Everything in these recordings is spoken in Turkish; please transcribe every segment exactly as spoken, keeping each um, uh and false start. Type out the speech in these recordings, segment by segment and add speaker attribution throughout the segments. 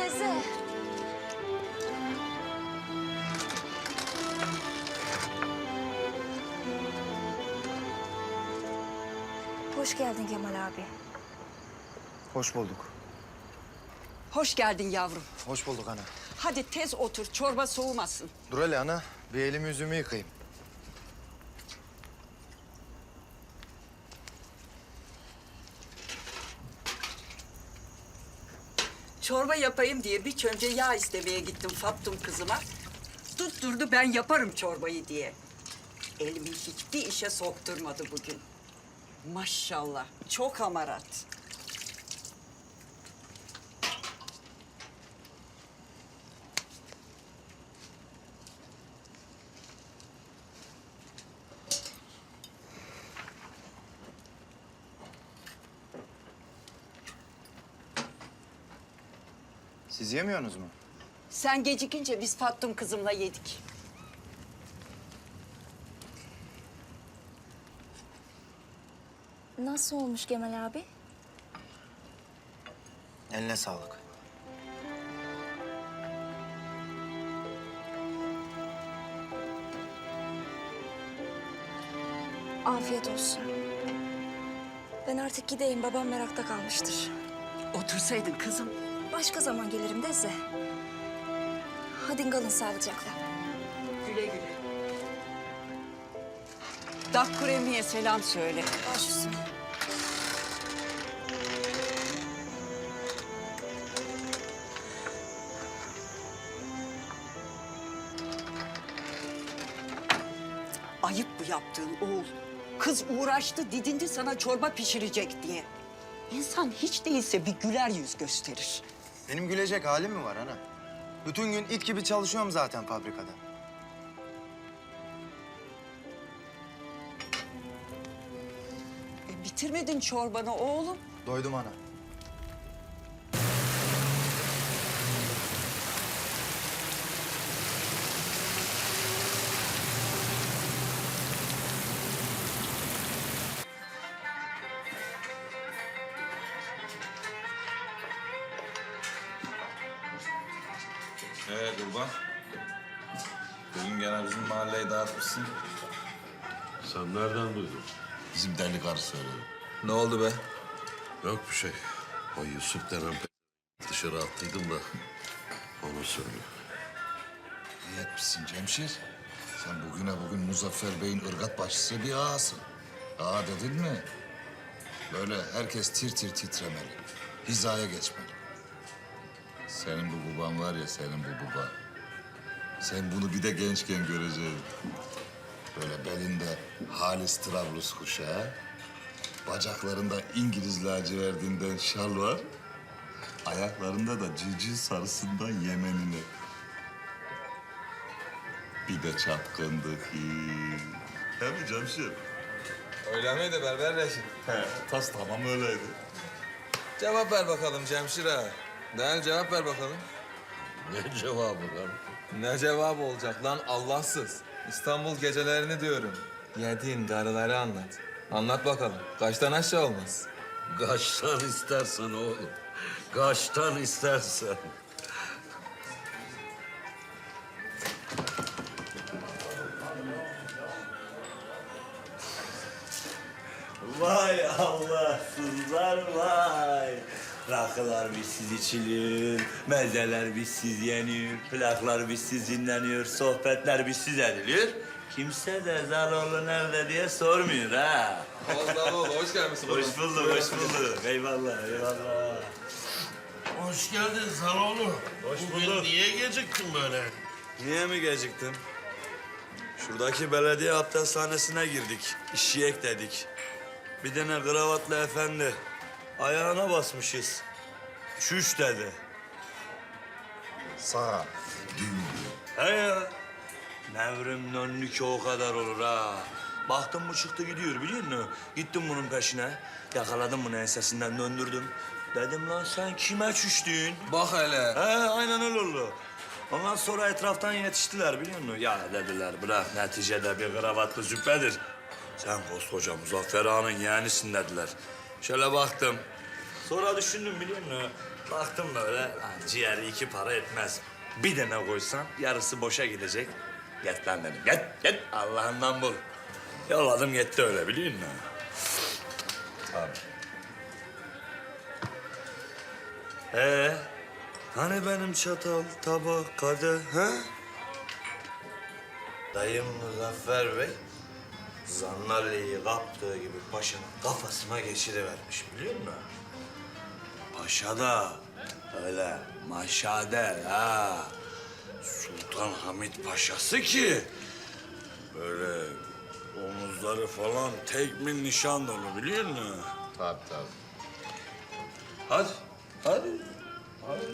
Speaker 1: teyze. Hoş geldin Kemal abi.
Speaker 2: Hoş bulduk.
Speaker 3: Hoş geldin yavrum.
Speaker 2: Hoş bulduk ana.
Speaker 3: Hadi tez otur, çorba soğumasın.
Speaker 2: Dur hele ana. Bir elimi yüzümü yıkayayım.
Speaker 3: Çorba yapayım diye bir çömce yağ istemeye gittim Fattum kızıma. Tutturdu ben yaparım çorbayı diye. Elimi hiçbir işe sokturmadı bugün. Maşallah, çok hamarat.
Speaker 2: Siz yemiyorsunuz mu?
Speaker 3: Sen gecikince biz Fattum kızımla yedik.
Speaker 1: Nasıl olmuş Kemal abi?
Speaker 2: Eline sağlık.
Speaker 1: Afiyet olsun. Ben artık gideyim. Babam merakta kalmıştır.
Speaker 3: Otursaydın kızım.
Speaker 1: Başka zaman gelirim Deze. Hadi kalın sağlıcakla.
Speaker 3: Güle güle. Dakkuremi'ye selam söyle.
Speaker 1: Baş üstüne.
Speaker 3: Ayıp bu yaptığın oğul. Kız uğraştı, didindi sana çorba pişirecek diye. İnsan hiç değilse bir güler yüz gösterir.
Speaker 2: Benim gülecek halim mi var ana? Bütün gün it gibi çalışıyorum zaten fabrikada.
Speaker 3: E, bitirmedin çorbanı oğlum.
Speaker 2: Doydum ana.
Speaker 4: Ee Kurban, bugün gene bizim mahalleyi dağıtmışsın.
Speaker 5: Sen nereden duydun?
Speaker 4: Bizim deli karı söyledi. Ne oldu be?
Speaker 5: Yok bir şey. O Yusuf denen pe- dışarı attıydım da onu söylüyor.
Speaker 4: İyi etmişsin Cemşir. Sen bugüne bugün Muzaffer Bey'in ırgat başçısı bir ağasın. Ağa dedin mi? Böyle herkes tir tir titremeli. Hizaya geçmeli. Senin bu baban var ya, senin bu baba. Sen bunu bir de gençken göreceksin. Böyle belinde halis Trablus kuşağı, bacaklarında İngiliz laciverdinden şal var, ayaklarında da civciv sarısından Yemenine. Bir de çapkındık. He mi Cemşir?
Speaker 6: Öyle miydi Berber Reşit?
Speaker 4: He, tas tamam öyleydi.
Speaker 6: Cevap ver bakalım Cemşir ağa. Değil cevap ver bakalım.
Speaker 5: Ne cevabı lan?
Speaker 6: Ne cevap olacak lan Allahsız? İstanbul gecelerini diyorum. Yediğin karıları anlat. Anlat bakalım. Kaçtan aşağı olmaz?
Speaker 5: Kaçtan istersen oğlum. Kaçtan istersen.
Speaker 7: Vay Allahsızlar vay. Rakılar bizsiz içilir, mezeler bizsiz yenir, plaklar bizsiz dinleniyor, sohbetler bizsiz edilir. Kimse de Zaloğlu nerede diye sormuyor ha.
Speaker 6: Oğlum hoş gelmişsin.
Speaker 7: Hoş bulduk, hoş bulduk. Eyvallah, eyvallah.
Speaker 5: Hoş geldin Zaloğlu.
Speaker 7: Hoş
Speaker 5: Bugün
Speaker 7: bulduk.
Speaker 5: niye geciktin böyle?
Speaker 7: Niye mi geciktim? Şuradaki belediye abdesthanesine girdik, işi dedik. Bir tane kravatlı efendi. Ayağına basmışız. Çüş dedi.
Speaker 4: Sağ.
Speaker 7: He ya. Nevrim önlü ki o kadar olur ha. Baktım bu çıktı gidiyor biliyor musun? Gittim bunun peşine. Yakaladım bunu ensesinden döndürdüm. Dedim lan sen kime çüştün?
Speaker 6: Bak hele.
Speaker 7: He aynen öyle oldu. Ondan sonra etraftan yetiştiler biliyor musun? Ya dediler bırak neticede bir kravatlı züppedir. Sen koskoca Muzaffer Ağa'nın yeğenisin dediler. Şöyle baktım. Sonra düşündüm biliyor musun? Baktım böyle, ha, ciğeri iki para etmez. Bir tane koysam yarısı boşa gidecek. Git lan dedim, git, git. Allah'ından bul. Yolladım gitti öyle, biliyor musun? Abi. Ee, hani benim çatal, tabak, kadeh, ha? Dayım Muzaffer Bey, Zannalle'yi kaptığı gibi paşanın kafasına geçirivermiş, biliyor musun? Paşa da öyle maşade ha. Sultan Hamid Paşası ki böyle omuzları falan tekmin nişan dolu, biliyor musun?
Speaker 4: Tabii tabii.
Speaker 7: Hadi, hadi. Hadi.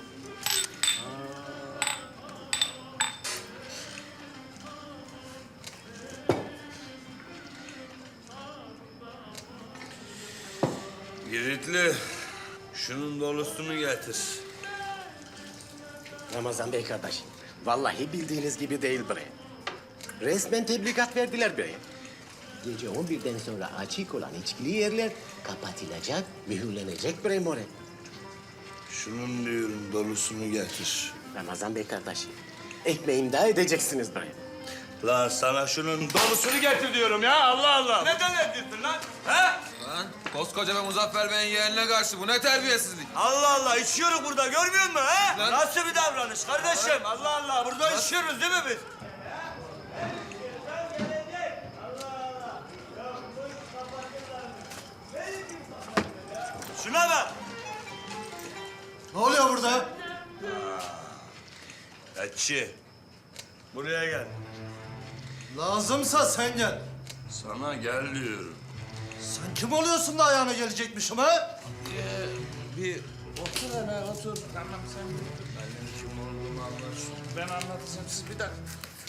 Speaker 7: Giritli, şunun dolusunu getir.
Speaker 8: Ramazan Bey kardeşim, vallahi bildiğiniz gibi değil bre. Resmen tebligat verdiler bre. Gece on birden sonra açık olan içkili yerler kapatılacak, mühürlenecek bre more.
Speaker 7: Şunun diyorum dolusunu getir.
Speaker 8: Ramazan Bey kardeşim, ekmeğimi daha edeceksiniz bre.
Speaker 7: Lan sana şunun dolusunu getir diyorum ya, Allah Allah. Neden ediyorsun lan? He?
Speaker 6: Lan koskoca ve Muzaffer Bey'in yeğenine karşı bu ne terbiyesizlik?
Speaker 7: Allah Allah, içiyoruz burada, görmüyor musun he?
Speaker 6: Lan-
Speaker 7: Nasıl bir davranış kardeşim? Allah Allah, burada içiyoruz değil mi biz? Şuna bak.
Speaker 2: Ne oluyor burada?
Speaker 7: Etçi, buraya gel.
Speaker 2: Lazımsa sen gel.
Speaker 7: Sana gel diyorum.
Speaker 2: Sen kim oluyorsun da ayağına gelecekmişim ha?
Speaker 6: Bir otur hemen otur. Tamam sen bir otur. Benim kim olduğumu anlarsın. Ben anlatacağım siz bir dakika.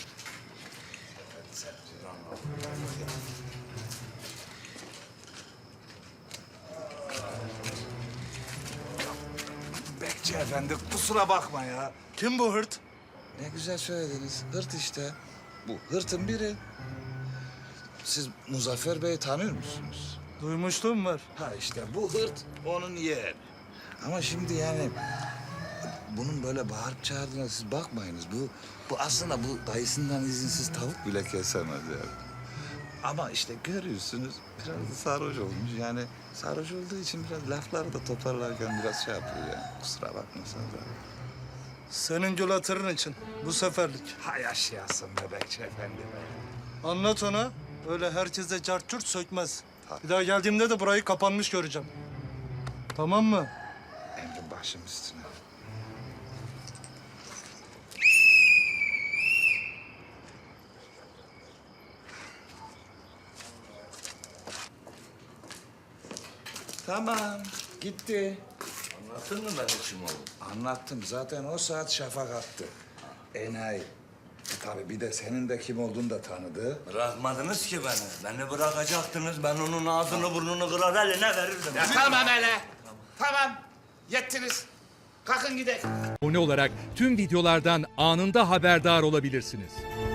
Speaker 9: Bekçi efendi kusura bakma ya. Kim bu hırt?
Speaker 6: Ne güzel söylediniz. Hırt işte. Bu hırtın biri. Siz Muzaffer Bey'i tanıyor musunuz?
Speaker 9: Duymuşluğum var.
Speaker 6: Ha işte bu hırt onun yeğeni. Ama şimdi yani bunun böyle bağırıp çağırdığına siz bakmayınız. Bu bu aslında bu dayısından izinsiz tavuk bile kesemez yani. Ama işte görüyorsunuz biraz da sarhoş olmuş. Yani sarhoş olduğu için biraz lafları da toparlarken biraz şey yapıyor yani. Kusura bakmasanız abi.
Speaker 9: Senin gül hatırın için bu seferlik.
Speaker 6: Hay yaşayasın be Bekçi Efendi be.
Speaker 9: Anlat ona. Öyle herkese cart curt sökmez.
Speaker 6: Tabii.
Speaker 9: Bir daha geldiğimde de burayı kapanmış göreceğim. Tamam mı?
Speaker 6: Emrin başım üstüne. Tamam, gitti.
Speaker 7: Anlattın mı ben kim oldum?
Speaker 6: Anlattım. Zaten o saat şafak attı. Enayi. E tabii bir de senin de kim olduğunu da tanıdı.
Speaker 7: Bırakmadınız ki beni. Beni bırakacaktınız. Ben onun ağzını burnunu kırar eline verirdim.
Speaker 10: Ya tamam hele. Tamam. Yettiniz. Kalkın gidelim.
Speaker 11: Abone olarak tüm videolardan anında haberdar olabilirsiniz.